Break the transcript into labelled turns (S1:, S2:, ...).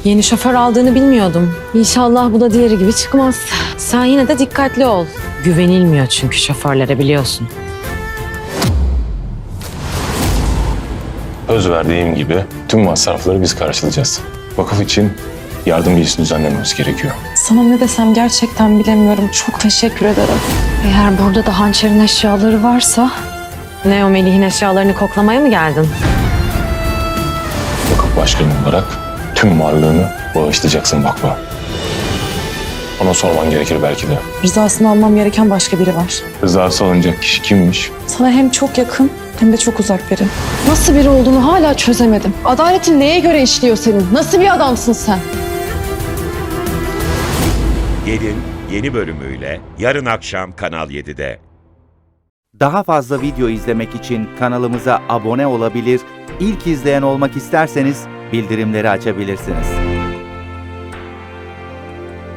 S1: Yeni şoför aldığını bilmiyordum. İnşallah bu da diğeri gibi çıkmaz. Sen yine de dikkatli ol. Güvenilmiyor çünkü şoförlere, biliyorsun.
S2: Söz verdiğim gibi tüm masrafları biz karşılayacağız. Vakıf için yardım gecisi düzenlememiz gerekiyor.
S3: Sana ne desem gerçekten bilemiyorum. Çok teşekkür ederim.
S1: Eğer burada da hançerin eşyaları varsa... Ne, o Melih'in eşyalarını koklamaya mı geldin?
S2: Vakıf başkanı olarak tüm varlığını bağışlayacaksın vakfa. Ona sorman gerekir belki de.
S3: Rızasını almam gereken başka biri var.
S2: Rızası alınacak kişi kimmiş?
S3: Sana hem çok yakın hem de çok uzak biri.
S4: Nasıl biri olduğunu hala çözemedim. Adaletin neye göre işliyor senin? Nasıl bir adamsın sen?
S5: Gelin yeni bölümüyle yarın akşam Kanal 7'de.
S6: Daha fazla video izlemek için kanalımıza abone olabilir, ilk izleyen olmak isterseniz bildirimleri açabilirsiniz.